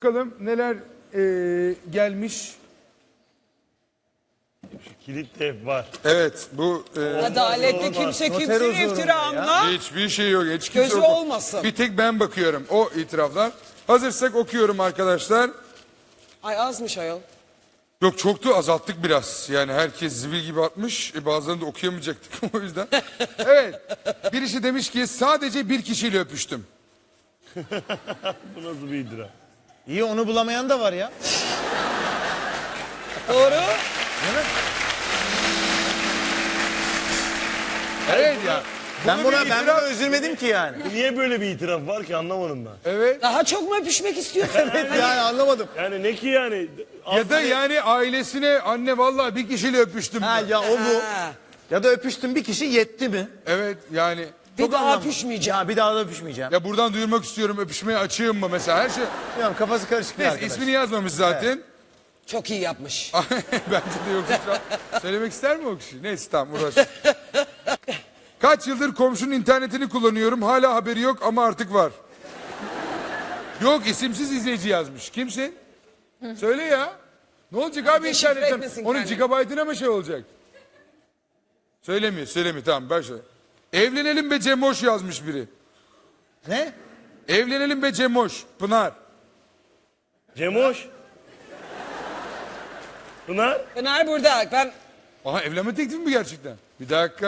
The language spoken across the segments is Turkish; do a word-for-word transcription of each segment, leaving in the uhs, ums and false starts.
Bakalım neler eee, gelmiş. Kilit de hep var. Evet bu eee, Adalette kimse kimsenin iftirağına hiçbir şey yok. Hiç kimse gözü yok. olmasın. Bir tek ben bakıyorum o itiraflar. Hazırsak okuyorum arkadaşlar. Ay azmış ayol. Yok çoktu, azalttık biraz. Yani herkes zibil gibi atmış. E, bazılarını da okuyamayacaktık o yüzden. Evet. Birisi demiş ki sadece bir kişiyle öpüştüm. Bu nasıl bir iddia? İyi, onu bulamayan da var ya. Doğru. Evet ya. Ben Bunu buna bir ben itiraf- buna üzülmedim ki yani. Niye böyle bir itiraf var ki anlamadım ben. Evet. Daha çok mu öpüşmek istiyorsun? Yani anlamadım. Yani ne ki yani? Ya da yani ailesine anne vallahi bir kişiyle öpüştüm. Ha ya o bu. Ha, Ya da öpüştüm bir kişi yetti mi? Evet yani. bir Çok daha anlamlı. öpüşmeyeceğim. Ya bir daha da öpüşmeyeceğim. Ya buradan duyurmak istiyorum, öpüşmeye açığım mı mesela, her şey. Bilmiyorum, kafası karışık bir Neyse arkadaş. ismini yazmamış zaten. Çok iyi yapmış. Bence de yoksa şu an söylemek ister mi o kişi? Neyse tamam uğraş. Kaç yıldır komşunun internetini kullanıyorum. Hala haberi yok ama artık var. Yok, isimsiz izleyici yazmış. Kimsin? Söyle ya. Ne olacak abi Deşifre internetten? etmesin Onun kendini. gigabaytına mı şey olacak? Söylemiyor, söylemiyor. Tamam başla. Evlenelim be Cemoş yazmış biri. Ne? Evlenelim be Cemoş. Pınar. Cemoş. Pınar. Pınar burada. Ben... Aha, evlenme teklifi mi gerçekten? Bir dakika.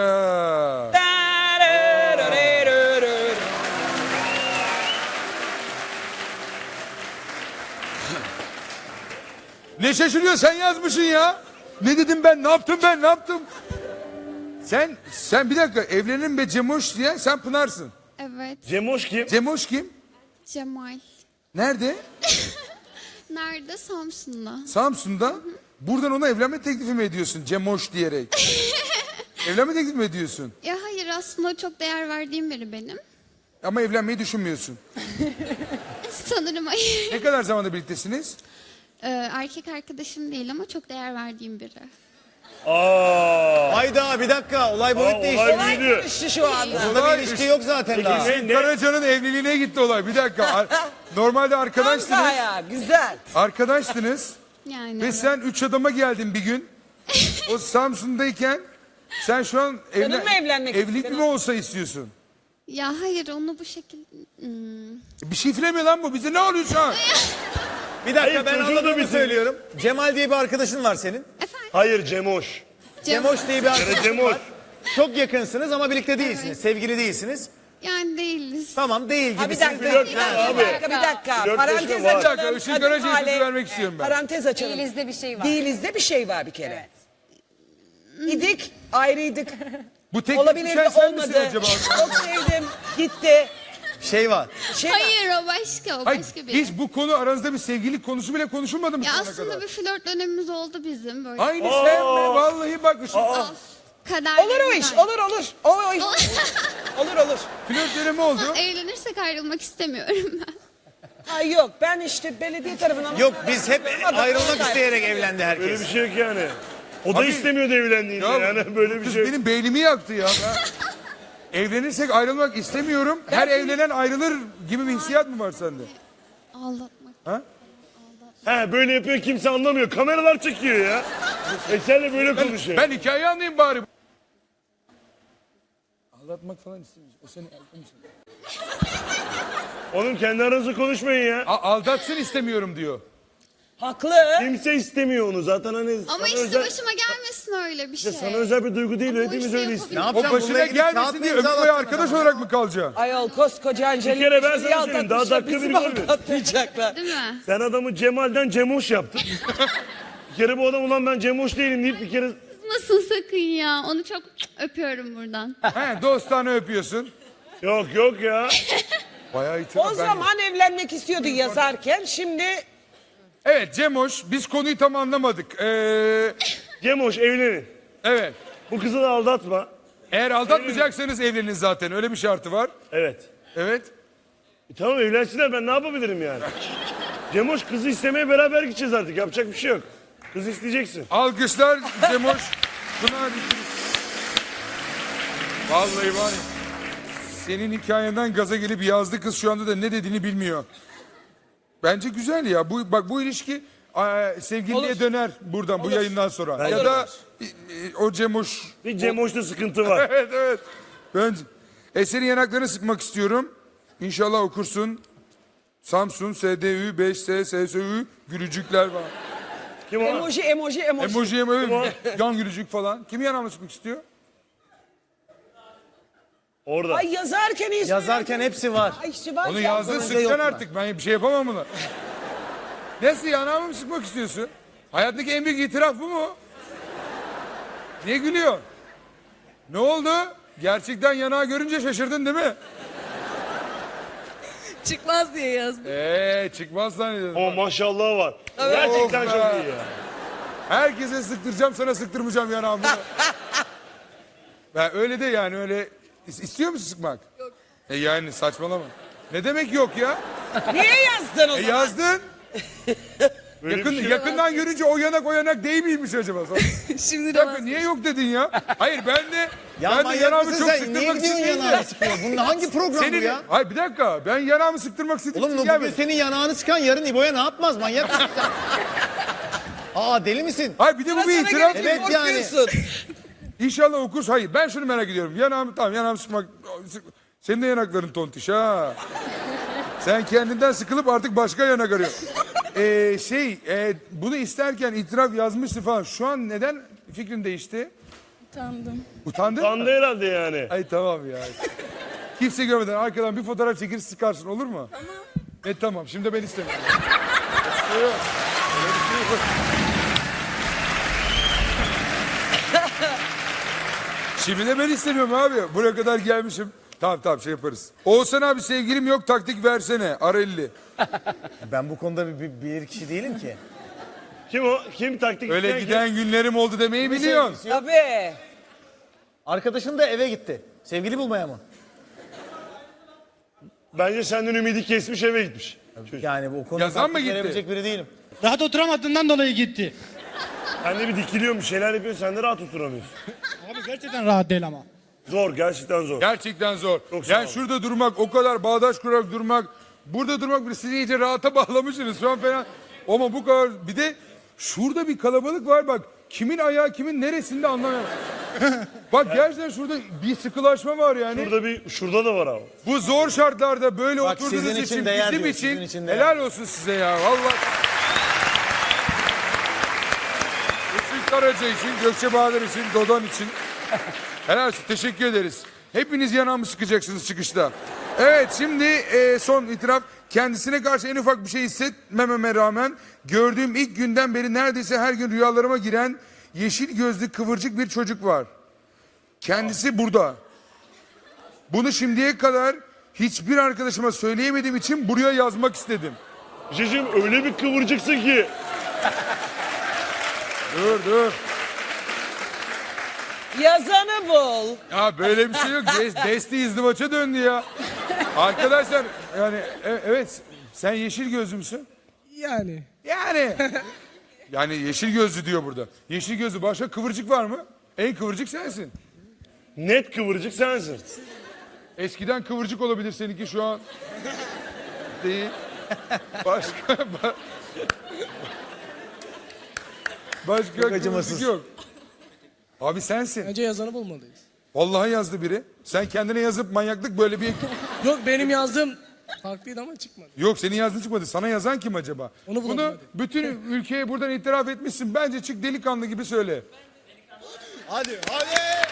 Ne şaşırıyor, sen yazmışsın ya. Ne dedim ben, ne yaptım ben, ne yaptım? Sen, sen bir dakika, evlenelim be Cemoş diye sen Pınar'sın. Evet, Cemoş kim? Cemoş kim? Cemal. Nerede? Nerede? Samsun'da. Samsun'da. Buradan ona evlenme teklifi mi ediyorsun Cemoş diyerek? Evlenme teklifi mi ediyorsun? Ya hayır, aslında çok değer verdiğim biri benim. Ama evlenmeyi düşünmüyorsun. Sanırım hayır. Ne kadar zamandır birliktesiniz? Ee, erkek arkadaşım değil ama çok değer verdiğim biri. Aa. Hayda, bir dakika, olay Aa, boyut değişti. olay Olay büyüdü. karıştı şu anda. Burada bir ilişki yok zaten daha. Ne, ne? Karaca'nın evliliğine gitti olay. Bir dakika. Ar- Normalde arkadaşsınız. Ankara, güzel. Arkadaştınız. Yani Ve evet. sen üç adama geldin bir gün. O Samsun'dayken sen şu an Canın mı evlenmek evlilik istiyorsun? mi olsa istiyorsun? Ya hayır, onu bu şekilde... Hmm. Bir şifre lan bu? Bize ne oluyor şu an? Bir dakika, Hayır, ben çocuğu da anladığımı bitirdi. söylüyorum. Cemal diye bir arkadaşın var senin. Hayır Cemoş. Cemoş diye bir arkadaşın Cemoş. var. Çok yakınsınız ama birlikte değilsiniz. Sevgili değilsiniz. Yani değiliz. Tamam, değil Ha, bir gibisiniz. dakika, flört bir ya dakika, abi. bir dakika, bir dakika. Flört Parantez yaşa var. açalım. Bir dakika, Işıl Kadın Karaca'ya hale- söz vermek istiyorum ben. Parantez açalım. Değilizde bir şey var. Değilizde bir şey var bir kere. İdik, ayrıydık. Bu tek Olabilir düşen de sen misin olmadı. acaba? Çok sevdim, gitti. Şey var. Şey var. Hayır, o başka, o Hayır, başka biri. hiç bu konu aranızda bir sevgililik konusu bile konuşulmadı mı Ya şu ana aslında kadar? bir flört dönemimiz oldu bizim böyle. Aynı sen mi? Vallahi bak Işıl. Of, kader Olur o iş, olur olur. O, o iş. olur olur. Flört dönemi oldu. Evlenirsek ayrılmak istemiyorum ben. Ay yok, ben işte belediye tarafından... Yok, biz hep Adam- ayrılmak isteyerek evlendi Böyle herkes. bir şey yok yani. O da Abi- istemiyordu evlendiğini Ya, yani böyle bir kız şey yok. benim beynimi yaktı ya. Ben evlenirsek ayrılmak istemiyorum. Her evlenen ayrılır gibi bir hissiyat mı var sende? Aldatmak. He böyle yapıyor, kimse anlamıyor. Kameralar çekiyor ya. E senle böyle konuşuyor. Ben hikayeyi anlayayım bari. Aldatmak falan istemiyorsun. O seni aldatmışsın. Oğlum kendi aranızda konuşmayın ya. A- aldatsın istemiyorum diyor. Haklı. Kimse istemiyor onu zaten hani Ama sana işte özel, başıma gelmesin öyle bir işte şey. sana özel bir duygu değil, Ama o hepimiz işte öyleyiz. yapabilirim. Ne O yapacağım? Bununla başına ilgili kağıt gelmesin mı diye ömür boyu imzalattın arkadaş adama? olarak mı kalacaksın? Ayol koskoca Angelina Bir kere ben Jolie'yi sana söyleyeyim, daha aldatmışlar, dakika bizi bir mi görmüyor. aldatmayacaklar? Değil mi? Sen adamı Cemal'den Cemoş yaptın. Bir kere bu adam ulan ben Cemoş değilim deyip bir kere... Nasıl sakın ya? Onu çok öpüyorum buradan. He, dostane öpüyorsun. Yok yok ya. Bayağı itiraf. O ben- zaman evlenmek istiyordu yazarken, şimdi Evet Cemoş, biz konuyu tam anlamadık. Ee, Cemoş evlenin. evet. Bu kızı da aldatma. Eğer aldatmayacaksanız evlenin zaten. Öyle bir şartı var. Evet. Evet. E tamam evlensinler, ben ne yapabilirim yani? Cemoş kızı istemeye beraber gideceğiz artık, yapacak bir şey yok. Kız isteyeceksin. Alkışlar Cemoş. Pınar. Vallahi var ya. Senin hikayenden gaza gelip yazdı, kız şu anda da ne dediğini bilmiyor. Bence güzel ya. Bu bak bu ilişki e, sevgiliye Olur. döner buradan bu yayından sonra. Bence ya de. da e, e, o Cemoş. Bir Cemoş'ta sıkıntı var. Evet evet. Ben Eser'in yanaklarını sıkmak istiyorum. İnşallah okursun. Samsun S D Ü beş S S S Ü gülücükler var. Kim o? Emoji, emoji, emoji. Emoji emoji yan gülücük falan. Kimi yanağına sıkmak istiyor? Orada. Ay yazarken ismi. Yazarken hepsi var. Ay Şivan Onu ya. yazdın yok sıkacaksın mu? artık. Ben bir şey yapamam buna. Nasıl yanağımı mı sıkmak istiyorsun? Hayattaki en büyük itiraf bu mu? Niye gülüyor? Ne oldu? Gerçekten yanağı görünce şaşırdın değil mi? Çıkmaz diye yazdım. Eee çıkmaz zannediyorum. O maşallah var. Gerçekten Of çok be. iyi ya. Herkese sıktıracağım, sana sıktırmayacağım yanağımı. Ben öyle de yani öyle... İs- İstiyor musun sıkmak? Yok. E yani saçmalama. Ne demek yok ya? Niye yazdın o E zaman? yazdın. Böyle Yakın, bir şey yakından görünce o yanak o yanak değil miymiş acaba? Şimdi Bir de dakika niye yok dedin ya? Hayır ben de Ya ben de manyak yanağımı mısın çok sen? sıktırmak Niye için gidiyorsun değil de- yanağını sıkıyor? Bunun hangi program bu Senin, ya? hayır bir dakika ben yanağımı sıktırmak istedim. Oğlum bugün gelmedim. senin yanağını sıkan yarın İbo'ya ne yapmaz? Manyak mısın sen? Aa deli misin? Hayır bir de bu bir Sana itiraf. gelince Evet yani. korkuyorsun. İnşallah okursun. Hayır ben şunu merak ediyorum. Yanağımı tamam yanağımı sıkmak. sık- Senin de yanakların tontiş ha. Sen kendinden sıkılıp artık başka yanak arıyorsun. Ee, şey e, bunu isterken itiraf yazmıştı falan. Şu an neden fikrin değişti? utandım. Utandın mı? Sandı herhalde yani. Ay tamam ya. Kimse görmeden arkadan bir fotoğraf çekir sıkarsın olur mu? Tamam. E tamam şimdi de ben istemiyorum. Yok, öyle bir şey yok. Şimdi de ben istemiyorum abi. Buraya kadar gelmişim. Tamam tamam şey yaparız. Oğuzhan abi sevgilim yok taktik versene. Ara elli. Ben bu konuda bir, bir, bir kişi değilim ki. Kim o? Kim taktik Öyle isteyen giden günlerim oldu demeyi biliyorsun. Tabii. Arkadaşın da eve gitti. Sevgili bulmaya mı? kim? Bence senden ümidi kesmiş eve gitmiş. Çocuk. Yani bu konuda Yazan mı taktik gitti? verebilecek biri değilim. Rahat oturamadığından dolayı gitti. Sen de bir dikiliyorsun bir şeyler yapıyorsun sen de rahat oturamıyorsun. Abi gerçekten rahat değil ama. Zor gerçekten zor. Gerçekten zor. Çok sağ Yani ol. şurada durmak, o kadar bağdaş kurarak durmak, burada durmak bile sizi iyice rahata bağlamışsınız şu an falan. Ama bu kadar bir de şurada bir kalabalık var bak. Kimin ayağı kimin neresinde anlamıyorum. Bak gerçekten şurada bir sıkılaşma var yani. Şurada bir şurada da var abi. Bu zor şartlarda böyle Bak, oturduğunuz sizin için, için değer bizim diyor, için, sizin için değer. helal olsun size ya vallahi. Işık Karaca için, Gökçe Bahadır için, Dodon için. Helal olsun teşekkür ederiz. Hepiniz yanağımı sıkacaksınız çıkışta. Evet şimdi e, son itiraf. Kendisine karşı en ufak bir şey hissetmememe rağmen gördüğüm ilk günden beri neredeyse her gün rüyalarıma giren yeşil gözlü kıvırcık bir çocuk var. Kendisi burada. Bunu şimdiye kadar hiçbir arkadaşıma söyleyemediğim için buraya yazmak istedim. Cicim öyle bir kıvırcıksın ki. Dur dur. Yazanı bul. Ya böyle bir şey yok. Des, Desti izdivaça döndü ya. Arkadaşlar yani e- evet sen yeşil gözlü müsün? Yani. Yani. Yani yeşil gözlü diyor burada. Yeşil gözlü başka kıvırcık var mı? En kıvırcık sensin. Net kıvırcık sensin. Eskiden kıvırcık olabilir seninki şu an. Değil. Başka ba- Başka kıvırcık acımasız. yok. Abi sensin. Bence yazanı bulmalıyız. Vallahi yazdı biri. Sen kendine yazıp manyaklık böyle bir... Yok benim yazdığım farklıydı ama çıkmadı. Yok senin yazdığın çıkmadı. Sana yazan kim acaba? Onu bulalım Bunu hadi. bütün ülkeye buradan itiraf etmişsin. Bence çık delikanlı gibi söyle. Hadi hadi.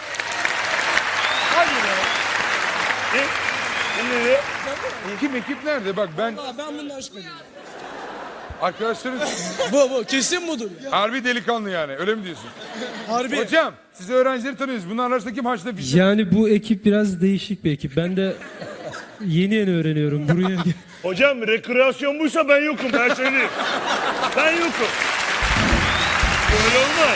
Hadi be. Kim? Kim dedi? Kim ekip nerede? Bak ben Aa, ben bundan şüpheliyim. arkadaşlarım Bu bu kesin budur. harbi delikanlı yani. Öyle mi diyorsun? Harbi. Hocam siz öğrencileri tanıyorsunuz. Bunların arasında kim haçta bir şey? Yani bu ekip biraz değişik bir ekip. Ben de yeni yeni öğreniyorum. Buraya Hocam rekreasyon buysa ben yokum ben söyleyeyim. Ben yokum. Öyle olmaz.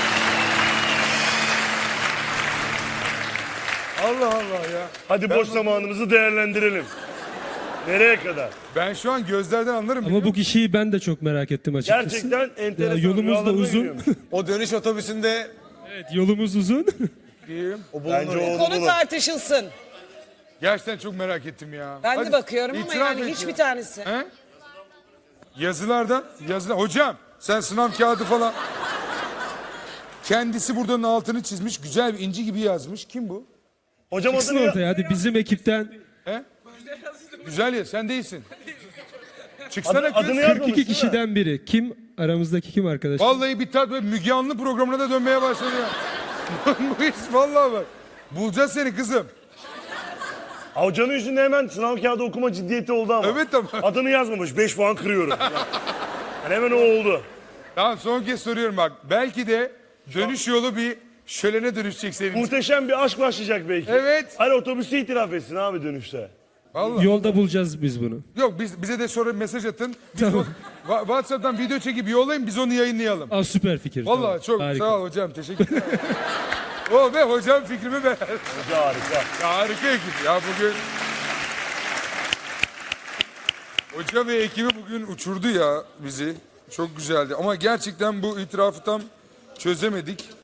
Allah Allah ya. Hadi boş zamanımızı değerlendirelim. Nereye kadar? Ben şu an gözlerden anlarım. ama bu kişiyi ben de çok merak ettim açıkçası. Gerçekten enteresan. Ya, yolumuz da rüyalarıma uzun. giriyormuş. O dönüş otobüsünde Evet, yolumuz uzun. Biliyorum. o bulunur. Bence ya. o Konu bulur. tartışılsın. Gerçekten çok merak ettim ya. Ben Hadi, de bakıyorum ama itiraf yani et hiçbir ya. tanesi. He? Yazılardan, yazılar. Hocam sen sınav kağıdı falan. Kendisi buradanın altını çizmiş. Güzel bir inci gibi yazmış. Kim bu? Hocam Çıksın adını ya- ortaya hadi bizim ekipten He? Güzel ya sen değilsin. Çıksana Adı- kız. adını yazmamış kırk iki değil mi? kişiden biri. Kim? Aramızdaki kim arkadaş? Vallahi bir tat böyle Müge Anlı programına da dönmeye başladı ya. Bu iş vallahi bak. Bulacağız seni kızım. Ha, hocanın yüzünde hemen sınav kağıdı okuma ciddiyeti oldu ama. Evet ama. Adını yazmamış. beş puan kırıyorum. Yani hemen o oldu. Tamam son kez soruyorum bak. Belki de dönüş yolu bir şölene dönüşecek senin için. Muhteşem bir aşk başlayacak belki. Evet. Hani otobüste itiraf etsin abi dönüşte. Vallahi. Yolda bulacağız biz bunu. Yok biz, bize de sonra mesaj atın. Biz Tamam. o- Wa- WhatsApp'tan video çekip yollayın biz onu yayınlayalım. Aa, süper fikir. Vallahi tamam. çok Harika. sağ ol hocam teşekkür ederim. O be hocam fikrimi beğendi. Hoca harika. Ya harika ekip ya bugün. Hoca ve ekibi bugün uçurdu ya bizi. Çok güzeldi ama gerçekten bu itirafı tam çözemedik.